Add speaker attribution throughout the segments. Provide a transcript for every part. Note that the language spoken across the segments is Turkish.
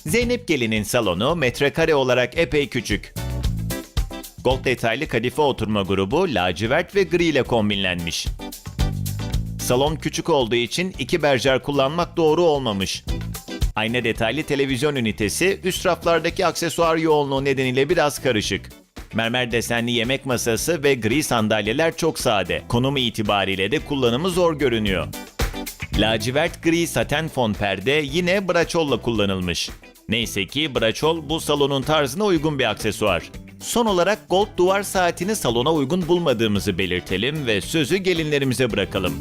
Speaker 1: Zeynep Gelin'in salonu metrekare olarak epey küçük. Gold detaylı kadife oturma grubu lacivert ve gri ile kombinlenmiş. Salon küçük olduğu için iki berjer kullanmak doğru olmamış. Ayna detaylı televizyon ünitesi üst raflardaki aksesuar yoğunluğu nedeniyle biraz karışık. Mermer desenli yemek masası ve gri sandalyeler çok sade. Konumu itibariyle de kullanımı zor görünüyor. Lacivert gri saten fon perde yine braçolla kullanılmış. Neyse ki braçol bu salonun tarzına uygun bir aksesuar. Son olarak gold duvar saatini salona uygun bulmadığımızı belirtelim ve sözü gelinlerimize bırakalım.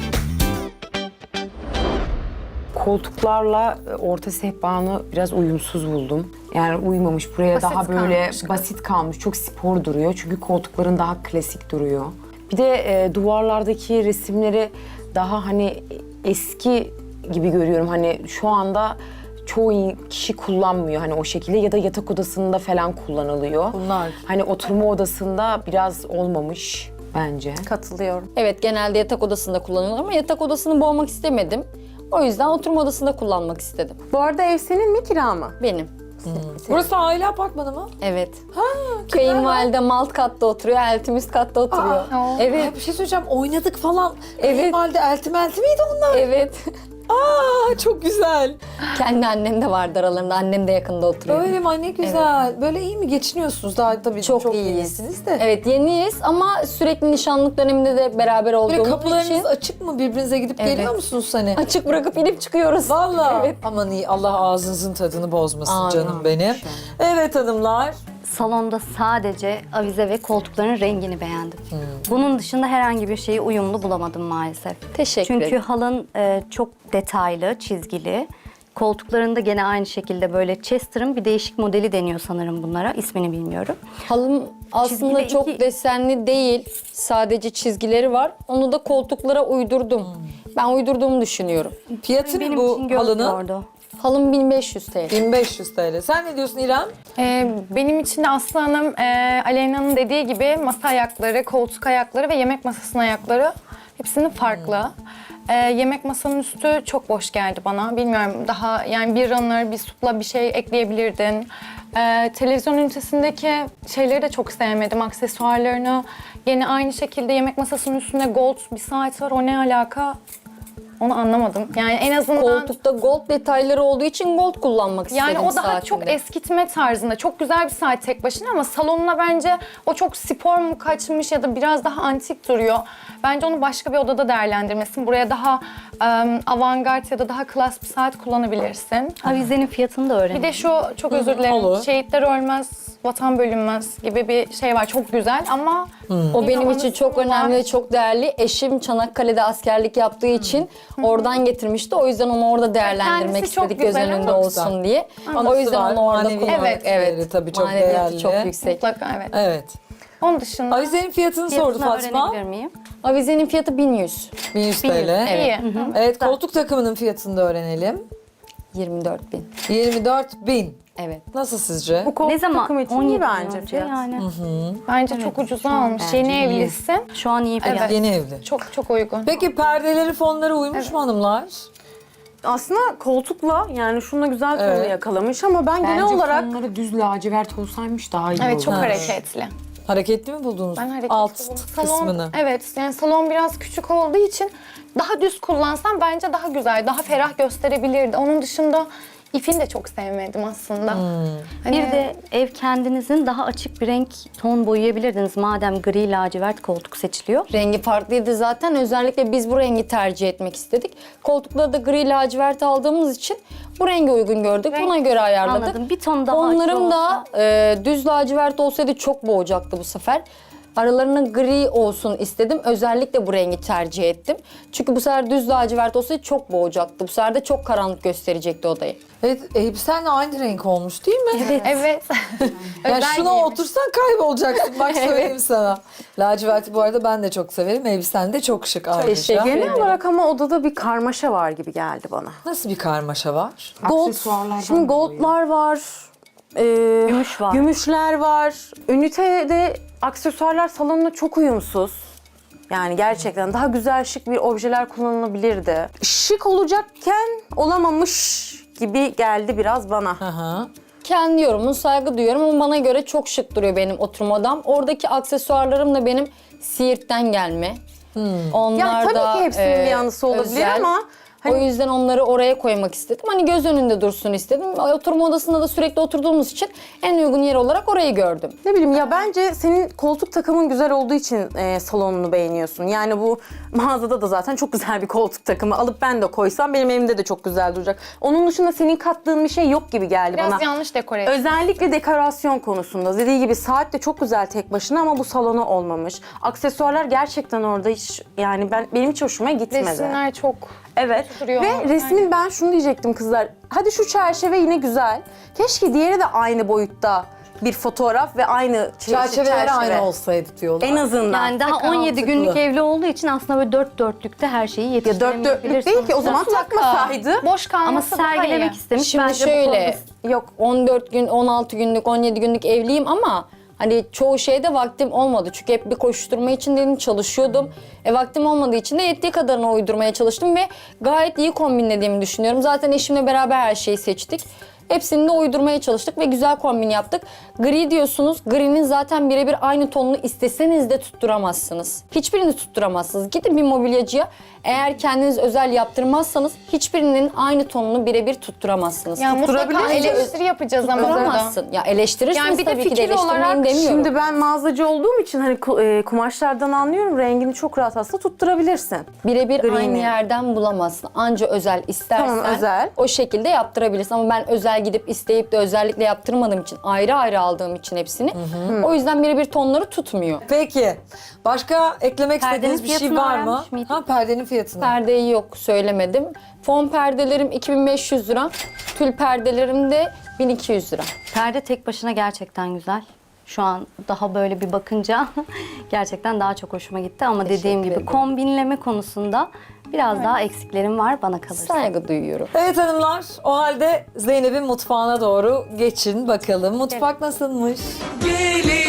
Speaker 2: Koltuklarla orta sehpanı biraz uyumsuz buldum. Yani uymamış. Buraya
Speaker 3: Basit
Speaker 2: daha böyle
Speaker 3: kalmış.
Speaker 2: basit kalmış. Çok spor duruyor. Çünkü koltukların daha klasik duruyor. Bir de duvarlardaki resimleri daha hani eski gibi görüyorum. Hani şu anda çoğu kişi kullanmıyor hani o şekilde ya da yatak odasında falan kullanılıyor.
Speaker 3: Bunlar.
Speaker 2: Hani oturma odasında biraz olmamış bence.
Speaker 3: Katılıyorum.
Speaker 4: Evet, genelde yatak odasında kullanılır ama yatak odasını boğmak istemedim. O yüzden oturma odasında kullanmak istedim.
Speaker 5: Bu arada ev senin mi kira mı?
Speaker 4: Benim.
Speaker 6: Burası aile apartmanı mı?
Speaker 4: Evet. Kayınvalidem alt katta oturuyor, eltim üst katta oturuyor. Evet,
Speaker 6: Ay, bir şey söyleyeceğim. Oynadık falan.
Speaker 4: Evet.
Speaker 6: Kayınvalide elti miydi onlar?
Speaker 4: evet.
Speaker 6: Aa, çok güzel.
Speaker 4: Kendi annem de vardı aralarında. Annem de yakında oturuyor.
Speaker 6: Öyle mi? Ay, ne güzel. Böyle iyi mi geçiniyorsunuz? Daha tabii
Speaker 4: Çok iyiyiz.
Speaker 6: iyisiniz de.
Speaker 4: Evet, yeniyiz ama sürekli nişanlık döneminde de beraber
Speaker 6: Böyle
Speaker 4: olduğumuz
Speaker 6: kapılarınız
Speaker 4: için
Speaker 6: açık mı? Birbirinize gidip
Speaker 4: Evet.
Speaker 6: geliyor musunuz hani?
Speaker 4: açık bırakıp inip çıkıyoruz.
Speaker 6: Vallahi.
Speaker 4: Evet.
Speaker 6: Aman iyi. Allah ağzınızın tadını bozmasın
Speaker 4: Amin.
Speaker 6: canım benim. Evet hanımlar.
Speaker 7: Salonda sadece avize ve koltukların rengini beğendim. Bunun dışında herhangi bir şeyi uyumlu bulamadım maalesef.
Speaker 4: Teşekkür
Speaker 7: Çünkü
Speaker 4: ederim.
Speaker 7: halın çok detaylı, çizgili. Koltuklarında gene aynı şekilde böyle Chester'ın bir değişik modeli deniyor sanırım bunlara. İsmini bilmiyorum.
Speaker 4: Halım aslında
Speaker 7: Çizgili
Speaker 4: çok
Speaker 7: iki-
Speaker 4: desenli değil. Sadece çizgileri var. Onu da koltuklara uydurdum. Ben uydurduğumu düşünüyorum.
Speaker 6: Fiyatı ne
Speaker 7: Benim
Speaker 6: bu
Speaker 7: için göz
Speaker 6: halının?
Speaker 7: yordu.
Speaker 4: Halım 1500 TL.
Speaker 6: 1500 TL. Sen ne diyorsun İrem?
Speaker 8: Benim için de Aslı Hanım, Aleyna'nın dediği gibi masa ayakları, koltuk ayakları ve yemek masasının ayakları hepsinin farklı. Yemek masanın üstü çok boş geldi bana. Bilmiyorum, daha yani bir runner, bir supla bir şey ekleyebilirdin. Televizyon ünitesindeki şeyleri de çok sevmedim, aksesuarlarını. Yine aynı şekilde yemek masasının üstünde gold bir saat var, o ne alaka? Onu anlamadım. Yani en azından...
Speaker 4: Koltukta gold detayları olduğu için gold kullanmak istedim
Speaker 8: Yani o daha
Speaker 4: saatinde.
Speaker 8: çok eskitme tarzında. Çok güzel bir saat tek başına ama salonuna bence o çok spor mu kaçmış ya da biraz daha antik duruyor. Bence onu başka bir odada değerlendirmesin. Buraya daha avantgard ya da daha klas bir saat kullanabilirsin.
Speaker 7: Avizenin fiyatını da öğrenelim.
Speaker 8: Bir de şu, çok özür dilerim,
Speaker 6: olur.
Speaker 8: şehitler ölmez, vatan bölünmez gibi bir şey var. Çok güzel ama...
Speaker 4: O benim için
Speaker 8: anısı
Speaker 4: çok
Speaker 8: var.
Speaker 4: önemli ve çok değerli. Eşim Çanakkale'de askerlik yaptığı için oradan getirmişti. O yüzden onu orada değerlendirmek
Speaker 8: Kendisi çok
Speaker 4: istedik göz
Speaker 8: güzel
Speaker 4: önünde
Speaker 8: ama-
Speaker 4: olsun diye.
Speaker 6: Anısı
Speaker 4: O yüzden
Speaker 6: var,
Speaker 4: onu orada
Speaker 6: manevi
Speaker 4: kullandık.
Speaker 8: Evet,
Speaker 4: Evet.
Speaker 6: tabii çok
Speaker 4: Maneviyatı
Speaker 6: değerli.
Speaker 4: çok yüksek.
Speaker 8: Mutlaka evet.
Speaker 6: Evet.
Speaker 8: Onun dışında...
Speaker 6: Avizenin fiyatını sordu
Speaker 7: Fiyatını
Speaker 6: Fatma.
Speaker 7: öğrenebilir miyim?
Speaker 4: Avizenin fiyatı 1100.
Speaker 6: 1100 TL.
Speaker 8: İyi.
Speaker 6: Evet, koltuk takımının fiyatını da öğrenelim.
Speaker 4: 24.000.
Speaker 6: 24.000.
Speaker 4: Evet.
Speaker 6: Nasıl sizce?
Speaker 5: Bu koltuk
Speaker 7: Ne zaman?
Speaker 5: takımı için
Speaker 7: 17
Speaker 5: iyi
Speaker 7: gün
Speaker 5: bence
Speaker 7: önce
Speaker 5: fiyat.
Speaker 7: yani.
Speaker 8: Bence çok ucuza almış.
Speaker 7: bence
Speaker 8: Yeni
Speaker 7: iyi.
Speaker 8: evlisin.
Speaker 7: Şu an iyi fiyat.
Speaker 8: Evet.
Speaker 6: Yeni evli.
Speaker 8: Çok çok uygun.
Speaker 6: Peki perdeleri, fonları uymuş mu hanımlar?
Speaker 5: Aslında koltukla yani şununla güzel tonu
Speaker 6: Evet.
Speaker 5: yakalamış ama ben genel
Speaker 2: Bence
Speaker 5: olarak
Speaker 2: fonları düz lacivert olsaymış daha iyi
Speaker 8: Evet,
Speaker 2: olurdu.
Speaker 8: çok hareketli.
Speaker 6: Hareketli mi buldunuz
Speaker 8: Ben hareketli
Speaker 6: alt
Speaker 8: buldum. Salon,
Speaker 6: kısmını?
Speaker 8: evet, yani salon biraz küçük olduğu için daha düz kullansam bence daha güzel, daha ferah gösterebilirdi. Onun dışında ipini de çok sevmedim aslında. Hani-
Speaker 7: Bir de ev kendinizin daha açık bir renk ton boyayabilirdiniz. Madem gri lacivert koltuk seçiliyor.
Speaker 4: Rengi farklıydı zaten. Özellikle biz bu rengi tercih etmek istedik. Koltukları da gri lacivert aldığımız için bu rengi uygun gördük. Buna göre ayarladık.
Speaker 7: Anladım. Bir ton daha
Speaker 4: Fonlarım
Speaker 7: açı
Speaker 4: da düz lacivert olsaydı çok boğacaktı bu sefer. Aralarına gri olsun istedim. Özellikle bu rengi tercih ettim. Çünkü bu sefer düz lacivert olsaydı çok boğacaktı. Bu sefer de çok karanlık gösterecekti odayı.
Speaker 6: Evet, elbisenle aynı renk olmuş değil mi?
Speaker 8: Evet.
Speaker 6: Yani
Speaker 8: Özel
Speaker 6: şuna
Speaker 8: giymiş.
Speaker 6: otursan kaybolacaksın. Bak söyleyeyim sana. Laciverti bu arada ben de çok severim. Elbisen de çok şık ayrıca.
Speaker 5: genel olarak ama odada bir karmaşa var gibi geldi bana.
Speaker 6: Nasıl bir karmaşa var?
Speaker 2: Aksesuarlardan
Speaker 5: Şimdi
Speaker 2: dolayı.
Speaker 5: goldlar var.
Speaker 7: Gümüş var.
Speaker 5: Gümüşler var. Ünitede aksesuarlar salonuna çok uyumsuz. Yani gerçekten daha güzel şık bir objeler kullanılabilirdi. Şık olacakken olamamış gibi geldi biraz bana.
Speaker 6: Aha.
Speaker 4: Kendi yorumuna saygı duyuyorum ama bana göre çok şık duruyor benim oturma odam. Oradaki aksesuarlarım da benim Siirt'ten gelme. Onlar
Speaker 5: Ya tabii
Speaker 4: da
Speaker 5: ki hepsinin bir yanlısı olabilir
Speaker 4: özel.
Speaker 5: ama hani-
Speaker 4: O yüzden onları oraya koymak istedim. Hani göz önünde dursun istedim. Oturma odasında da sürekli oturduğumuz için en uygun yer olarak orayı gördüm.
Speaker 5: Ne bileyim ya, bence senin koltuk takımın güzel olduğu için salonunu beğeniyorsun. Yani bu mağazada da zaten çok güzel bir koltuk takımı. Alıp ben de koysam benim evimde de çok güzel duracak. Onun dışında senin kattığın bir şey yok gibi geldi
Speaker 8: Biraz
Speaker 5: bana.
Speaker 8: yanlış dekore ettim.
Speaker 5: Özellikle dekorasyon konusunda. Dediği gibi saat de çok güzel tek başına ama bu salona olmamış. Aksesuarlar gerçekten orada hiç, yani benim hiç hoşuma gitmedi.
Speaker 8: Resimler çok
Speaker 5: Evet.
Speaker 8: duruyor.
Speaker 5: Ve resmin ben şunu diyecektim kızlar. Hadi şu çerçeve yine güzel. Keşke diğeri de aynı boyutta bir fotoğraf ve aynı
Speaker 6: Çerçeveler aynı olsaydı diyorlar.
Speaker 5: En azından.
Speaker 7: Yani daha
Speaker 6: Mantıklı.
Speaker 7: 17 günlük evli olduğu için aslında böyle dört dörtlükte her şeyi
Speaker 5: Ya dört dörtlük
Speaker 7: yetiştiremeyebilirsin.
Speaker 5: değil ki, o zaman takmasaydı.
Speaker 8: boş
Speaker 7: Ama
Speaker 8: kalması daha iyi.
Speaker 7: sergilemek istemiş.
Speaker 4: Şimdi
Speaker 7: Bence bu
Speaker 4: şöyle,
Speaker 7: konuda-
Speaker 4: yok 14 gün, 16 günlük, 17 günlük evliyim ama hani çoğu şeyde vaktim olmadı. Çünkü hep bir koşturma içindeydim, çalışıyordum. Vaktim olmadığı için de yettiği kadarına uydurmaya çalıştım ve gayet iyi kombinlediğimi düşünüyorum. Zaten eşimle beraber her şeyi seçtik. Hepsini de uydurmaya çalıştık ve güzel kombin yaptık. Gri diyorsunuz. Gri'nin zaten birebir aynı tonunu isteseniz de tutturamazsınız. Hiçbirini tutturamazsınız. Gidin bir mobilyacıya. Eğer kendiniz özel yaptırmazsanız hiçbirinin aynı tonunu birebir tutturamazsınız.
Speaker 8: Yani mutlaka
Speaker 5: Tutturabilirsin.
Speaker 8: eleştiri yapacağız ama burada.
Speaker 4: Tutturamazsın. Ya eleştirirsiniz
Speaker 8: Yani bir de
Speaker 4: tabii ki de
Speaker 8: fikir
Speaker 4: eleştirmeyin
Speaker 8: olarak
Speaker 4: demiyorum.
Speaker 5: Şimdi ben mağazacı olduğum için hani kumaşlardan anlıyorum. Rengini çok rahat aslında tutturabilirsin.
Speaker 4: Birebir
Speaker 5: Green'i.
Speaker 4: aynı yerden bulamazsın. Anca özel istersen
Speaker 5: Tamam, özel.
Speaker 4: o şekilde yaptırabilirsin. Ama ben özel gidip isteyip de özellikle yaptırmadığım için, ayrı ayrı aldığım için hepsini. O yüzden birebir tonları tutmuyor.
Speaker 6: Peki. Başka eklemek
Speaker 7: Perdenin
Speaker 6: istediğiniz bir şey
Speaker 7: fiyatını
Speaker 6: var mı?
Speaker 7: öğrenmiş miydin?
Speaker 6: Ha, perdenin fiyatını.
Speaker 4: Perdeyi yok söylemedim. Fon perdelerim 2500 lira. Tül perdelerim de 1200 lira.
Speaker 7: Perde tek başına gerçekten güzel. Şu an daha böyle bir bakınca gerçekten daha çok hoşuma gitti. Ama dediğim gibi
Speaker 4: ederim.
Speaker 7: kombinleme konusunda biraz daha eksiklerim var bana kalırsa.
Speaker 4: Saygı duyuyorum.
Speaker 6: Evet hanımlar, o halde Zeynep'in mutfağına doğru geçin bakalım. Mutfak nasılmış?
Speaker 3: Gelin